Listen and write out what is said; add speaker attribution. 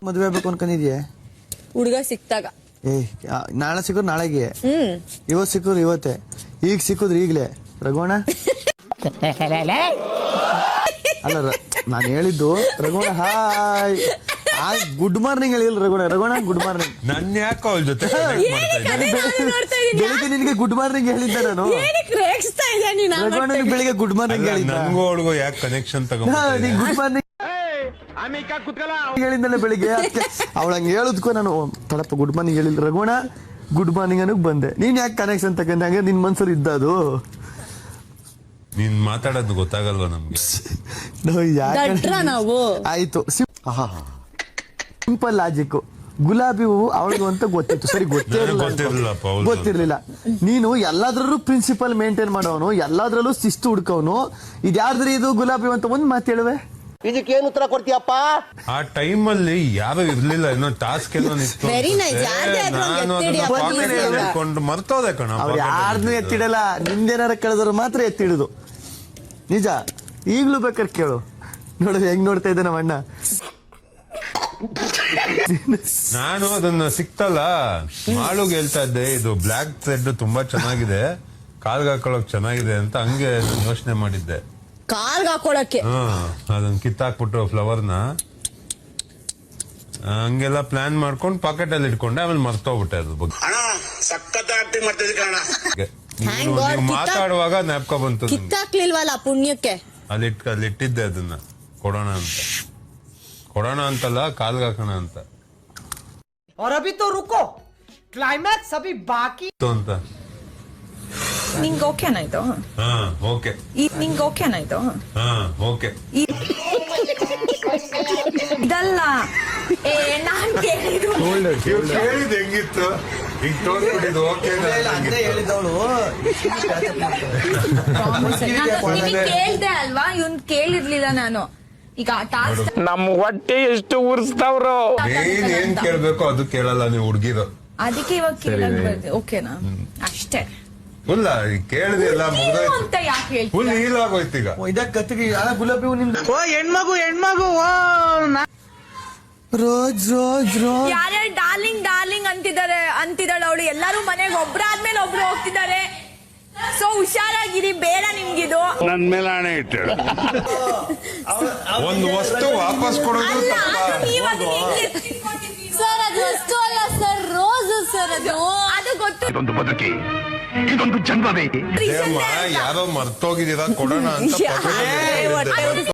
Speaker 1: ಮದುವೆ ಆಗ್ಬೇಕು ಅನ್ಕೊಂಡಿದ್ಯೆ?
Speaker 2: ಹುಡುಗ ಸಿಕ್ತಾಗ.
Speaker 1: ನಾಳೆ ಸಿಕ್ಕುದು ನಾಳೆಗೆ, ಇವತ್ ಸಿಕ್ಕುದು ಇವತ್ತೇ, ಈಗ ಸಿಕ್ಕುದ್ರಿ ಈಗ್ಲೇ. ರಘುವಣ ಅಲ್ಲ, ನಾನು ಹೇಳಿದ್ದು ರಘುವಣ ಹಾಯ್ ಗುಡ್ ಮಾರ್ನಿಂಗ್ ಹೇಳಿಲ್ಲ ರಘುವಣ. ರಘುವಣ ಗುಡ್ ಮಾರ್ನಿಂಗ್.
Speaker 3: ನನ್ ಯಾಕೋ ಅವಳ ಜೊತೆ
Speaker 1: ಬೆಳಿಗ್ಗೆ ನಿನಗೆ ಗುಡ್ ಮಾರ್ನಿಂಗ್ ಹೇಳಿದ್ದೆ ನಾನು. ರಘುವಣ ಬೆಳಿಗ್ಗೆ ಗುಡ್ ಮಾರ್ನಿಂಗ್ ಹೇಳಿದ್ದ.
Speaker 3: ನನ್ಗೂ ಅವಳಿಗೂ ಯಾಕೆ ಕನೆಕ್ಷನ್ ತಗೊಂಡ್
Speaker 1: ಗುಡ್ ಮಾರ್ನಿಂಗ್ ಹೇಳಿದ್ದಲ್ಲ ಬೆಳಿಗ್ಗೆ. ಅವಳ ಹಂಗೆ ಹೇಳುದ್ಕೋ ನಾನು ತಡಪ್ಪ ಗುಡ್ ಮಾರ್ನಿಂಗ್ ಹೇಳಿಲ್ಲ ರಘುವಣ ಗುಡ್ ಮಾರ್ನಿಂಗ್ ಅನ್ನಕ್ ಬಂದೆ. ನೀನ್ ಯಾಕೆ ಕನೆಕ್ಷನ್ ತಗೊಂಡೆ? ಹಂಗೆ ನಿನ್ ಮನ್ಸಲ್ಲಿ ಇದ್ದದು.
Speaker 3: ನೀನ್ ಮಾತಾಡೋದು ಗೊತ್ತಾಗಲ್ವಾ ನಮ್ಗೆ?
Speaker 2: ನಾವು
Speaker 1: ಆಯ್ತು, ಸಿಂಪಲ್ ಲಾಜಿಕ್. ಗುಲಾಬಿ ಹೂವು ಅವಳಿಗೂ ಅಂತ ಗೊತ್ತಿತ್ತು, ಸರಿ ಗೊತ್ತಿರ್ಲಿಲ್ಲ. ನೀನು ಎಲ್ಲಾದ್ರಲ್ಲೂ ಪ್ರಿನ್ಸಿಪಲ್ ಮೇಂಟೈನ್ ಮಾಡೋನು, ಎಲ್ಲಾದ್ರಲ್ಲೂ ಶಿಸ್ತು ಹುಡ್ಕವನು. ಇದ್ಯಾರ್ದ್ರಿ ಇದು ಗುಲಾಬಿ ಅಂತ ಒಂದ್ ಮಾತು ಹೇಳುವೆ.
Speaker 4: ಇದಕ್ಕೇನು ಉತ್ತರ ಕೊಡ್ತೀಯಪ್ಪ?
Speaker 3: ಆ ಟೈಮ್ ಅಲ್ಲಿ ಯಾರು ಇರ್ಲಿಲ್ಲ, ಏನೋ ಟಾಸ್ಕ್ ಏನೋ ನಿಂತು ನಾನು ಮರ್ತೋದೆ ಕಣ.
Speaker 1: ಅವ್ರು ಯಾರನ್ನೂ ಎತ್ತಿಡಲ್ಲ, ನಿಂದೇನಾರ ಕಳೆದ್ರು ಮಾತ್ರ ಎತ್ತಿಡುದು. ನಿಜ. ಈಗ್ಲೂ ಬೇಕಾದ್ರೆ ಕೇಳು, ನೋಡ ಹೆಂಗ್ ನೋಡ್ತಾ ಇದ್ದೆ ನಮ್ಮ ಅಣ್ಣ.
Speaker 3: ನಾನು ಅದನ್ನ ಸಿಕ್ತಲ್ಲ ಮಾಳುಗ್ ಹೇಳ್ತಾ ಇದ್ದೆ, ಇದು ಬ್ಲಾಕ್ ಥ್ರೆಡ್ ತುಂಬಾ ಚೆನ್ನಾಗಿದೆ, ಕಾಲ್ಗೆ ಹಾಕೊಳಕ್ ಚೆನ್ನಾಗಿದೆ ಅಂತ. ಹಂಗೆ ಯೋಚನೆ ಮಾಡಿದ್ದೆ
Speaker 2: ಕಾಲ್ಗೆ ಹಾಕೊಳಕ್ಕೆ.
Speaker 3: ಅದನ್ನ ಕಿತ್ತಾಕ್ಬಿಟ್ಟು ಫ್ಲವರ್ನ ಹಂಗೆಲ್ಲ ಪ್ಲಾನ್ ಮಾಡ್ಕೊಂಡು ಪಾಕೆಟ್ ಅಲ್ಲಿ ಇಟ್ಕೊಂಡೆ. ಆಮೇಲೆ ಮರ್ತೋಗ್ಬಿಟ್ಟೆ ಅದ್ರ ಬಗ್ಗೆ. ನೀವು ಮಾತಾಡುವಾಗ ಜ್ಞಾಪಕ ಬಂತು.
Speaker 2: ಕಿತ್ತಾಕ್ಲಿಲ್ವಲ್ಲ ಪುಣ್ಯಕ್ಕೆ.
Speaker 3: ಅಲ್ಲಿ ಇಟ್ಟಿದ್ದೆ ಅದನ್ನ ಕೊಡೋಣ ಅಂತಲ್ಲ, ಕಾಲ್ಗೆ ಹಾಕೋಣ ಅಂತ.
Speaker 5: और अभी तो रुको, क्लाइमैक्स अभी बाकी
Speaker 3: ಅಂತ.
Speaker 6: ನಿಂಗೆ ಓಕೆನಾ ಇದು?
Speaker 3: ಹಾ ಓಕೆ.
Speaker 6: ನಿಂಗೆ ಓಕೆನಾ ಇದು?
Speaker 3: ಹಾ ಓಕೆ.
Speaker 6: ಇದಲ್ಲ ನಾನ್ ಕೇಳಿದ್ದು.
Speaker 3: ಕೇಳಿದ್ ಹೆಂಗಿತ್ತು? ಈಗ ತೋರ್ಸ್ಬಿಟ್ಟಿದ್ದು ಓಕೆ
Speaker 6: ಕೇಳ್ದೆ ಅಲ್ವಾ, ಇವನ್ ಕೇಳಿರ್ಲಿಲ್ಲ ನಾನು. ಈಗ
Speaker 4: ನಮ್ ಹೊಟ್ಟೆ ಎಷ್ಟು ಉರ್ಸ್ತಾವ್ರು.
Speaker 3: ಏನ್ ಕೇಳ್ಬೇಕು ಅದು ಕೇಳಲ್ಲ ನೀವು ಹುಡ್ಗಿರು.
Speaker 6: ಅದಕ್ಕೆ ಇವಾಗ ಕೇಳಕ್ ಬರ್ತೀವಿ. ಓಕೆನಾ? ಅಷ್ಟೇ.
Speaker 3: ಫುಲ್ ಕೇಳಿದೆ ಎಲ್ಲ
Speaker 6: ಅಂತ ಯಾಕೆ ಹೇಳ್ತೀವಿ?
Speaker 3: ಫುಲ್ ಹೀಲ್ ಆಗೋಯ್ತು ಈಗ.
Speaker 1: ಇದಕ್ಕೆ ಕತ್ತಿಗೆ ಗುಲಾಬಿ ಹೂ ನಿಮ್ದು.
Speaker 5: ಓ ಹೆಣ್ಮಗು
Speaker 1: ರೋಜ್
Speaker 6: ಯಾರ್ಯಾರು ಡಾರ್ಲಿಂಗ್ ಡಾರ್ಲಿಂಗ್ ಅಂತಿದ್ದಾಳೆ ಅವಳು. ಎಲ್ಲರೂ ಮನೆಗೆ ಒಬ್ರಾದ್ಮೇಲೆ ಒಬ್ರು ಹೋಗ್ತಿದ್ದಾರೆ. ಸೊ ಹುಷಾರಾಗಿರಿ, ಬೇಡ ನಿಮ್ಗಿದು.
Speaker 4: ನನ್ ಮೇಲೆ ಹಣೆ ಇಟ್ಟು
Speaker 3: ಒಂದು ವಸ್ತು ವಾಪಸ್ ಕೊಡೋದು
Speaker 2: ಸರ್ ಅದು ವಸ್ತು ಅಲ್ಲ ಸರ್, ರೋಸ್ ಸರ್. ಅದು ಗೊತ್ತು.
Speaker 4: ಇದೊಂದು ಬದುಕಿ, ಇದೊಂದು ಜನ್ಮವೇ.
Speaker 3: ಯಾರೋ ಮರ್ತೋಗಿದ್ದೀರಾ, ಕೊಡೋಣ ಅಂತ